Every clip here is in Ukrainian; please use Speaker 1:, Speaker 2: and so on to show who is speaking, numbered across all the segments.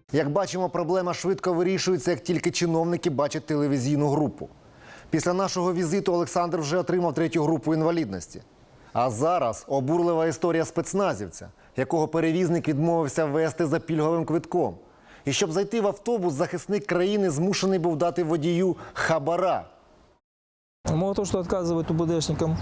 Speaker 1: Як бачимо, проблема швидко вирішується, як тільки чиновники бачать телевізійну групу. Після нашого візиту Олександр вже отримав 3-ю групу інвалідності. А зараз обурлива історія спецназівця, якого перевізник відмовився везти за пільговим квитком. І щоб зайти в автобус, захисник країни змушений був дати водію хабара.
Speaker 2: Мало того, что отказывают УБДшникам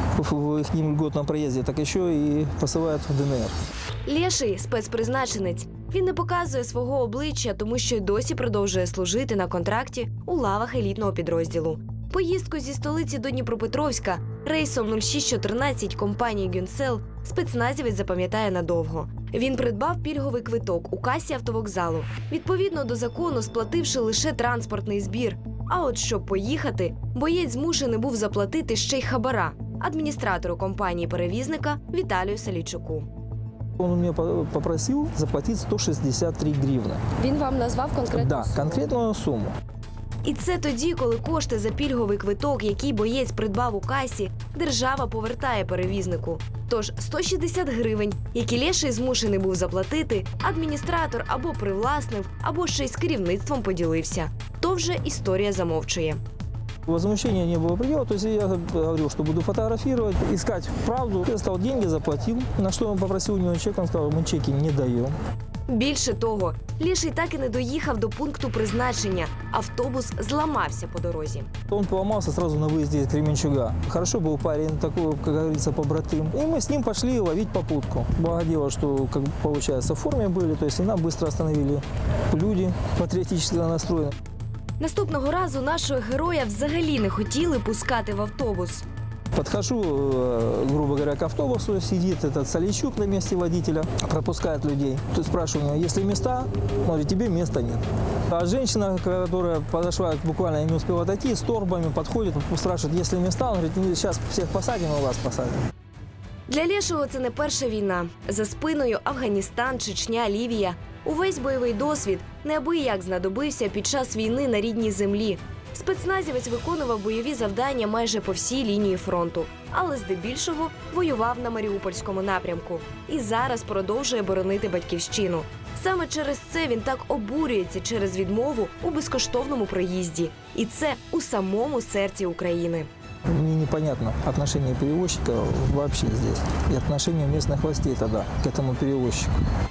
Speaker 2: в их льготном проезде, так еще и посылают в ДНР.
Speaker 3: Леший – спецпризначенець. Він не показує свого обличчя, тому що й досі продовжує служити на контракті у лавах елітного підрозділу. Поїздку зі столиці до Дніпропетровська рейсом 0614 компанії «Гюнсел» спецназівець запам'ятає надовго. Він придбав пільговий квиток у касі автовокзалу, відповідно до закону сплативши лише транспортний збір. А от щоб поїхати, боєць змушений був заплатити ще й хабара адміністратору компанії-перевізника Віталію Салійчуку.
Speaker 2: Он у меня попросил заплатить 163 гривны.
Speaker 3: Він вам назвав конкретну
Speaker 2: Да, конкретную сумму.
Speaker 3: І це тоді, коли кошти за пільговий квиток, який боєць придбав у касі, держава повертає перевізнику. Тож 160 гривень, які Леший змушений був заплатити, адміністратор або привласнив, або ще й з керівництвом поділився. То вже історія замовчує.
Speaker 2: Возмущения не было предела, то есть я говорил, что буду фотографировать, искать правду. Я стал деньги, заплатил, на что он попросил у него чек, он сказал, мы чеки не даем.
Speaker 3: Більше того, Леший так і не доїхав до пункту призначення. Автобус зламався по дорозі.
Speaker 2: Он поломался сразу на выезде из Кременчуга. Хорошо был парень, такой, как говорится, побратым. И мы с ним пошли ловить попутку. Благо дело, что, как получается, в форме были, то есть и нам быстро остановили люди патриотически настроены.
Speaker 3: Наступного разу нашого героя взагалі не хотіли пускати в автобус.
Speaker 2: Подхожу, грубо говоря, к автобусу, сидит этот Салийчук на месте водителя, пропускает людей. Тут спрашиваю у него, есть ли места? Он говорит, тебе места нет. А женщина, которая подошла, буквально не успела дойти, с торбами подходит, спрашивает, есть ли места? Он говорит, сейчас всех посадим, а вас посадим.
Speaker 3: Для Лешого це не перша війна. За спиною Афганістан, Чечня, Лівія. Увесь бойовий досвід неабияк знадобився під час війни на рідній землі. Спецназівець виконував бойові завдання майже по всій лінії фронту, але здебільшого воював на Маріупольському напрямку. І зараз продовжує боронити батьківщину. Саме через це він так обурюється через відмову у безкоштовному проїзді. І це у самому серці України.
Speaker 2: Мне непонятно отношение перевозчика вообще здесь и отношение местных властей тогда к этому перевозчику.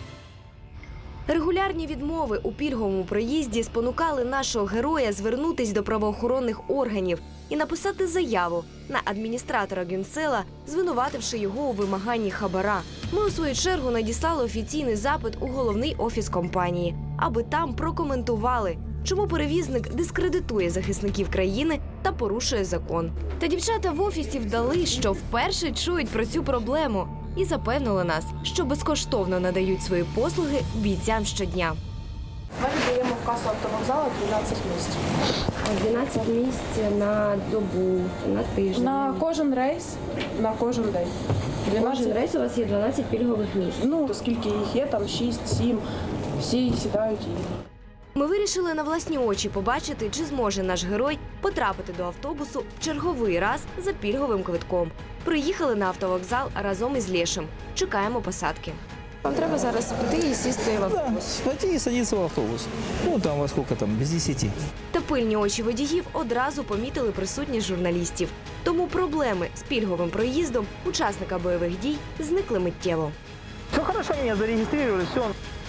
Speaker 3: Регулярні відмови у пільговому проїзді спонукали нашого героя звернутись до правоохоронних органів і написати заяву на адміністратора «Гюнсела», звинувативши його у вимаганні хабара. Ми, у свою чергу, надіслали офіційний запит у головний офіс компанії, аби там прокоментували, чому перевізник дискредитує захисників країни та порушує закон. Та дівчата в офісі вдали, що вперше чують про цю проблему і запевнили нас, що безкоштовно надають свої послуги бійцям щодня.
Speaker 4: Ми віддаємо в касу автовокзалу 12 місць.
Speaker 3: 12 місць на добу, на тиждень.
Speaker 4: На кожен рейс, на кожен день.
Speaker 3: Кожен рейс у вас є 12 пільгових місць.
Speaker 4: Ну, скільки їх є, там 6-7, всі сідають і...
Speaker 3: Ми вирішили на власні очі побачити, чи зможе наш герой потрапити до автобусу в черговий раз за пільговим квитком. Приїхали на автовокзал разом із Лешим. Чекаємо посадки.
Speaker 4: Вам треба зараз піти і сісти в
Speaker 2: Да,
Speaker 4: автобус.
Speaker 2: пойти и садиться в автобус. Ну, там во сколько там, без 10.
Speaker 3: Та пильні очі водіїв одразу помітили присутність журналістів. Тому проблеми з пільговим проїздом учасника бойових дій зникли миттєво.
Speaker 2: Все хорошо, меня зарегистрировали, все.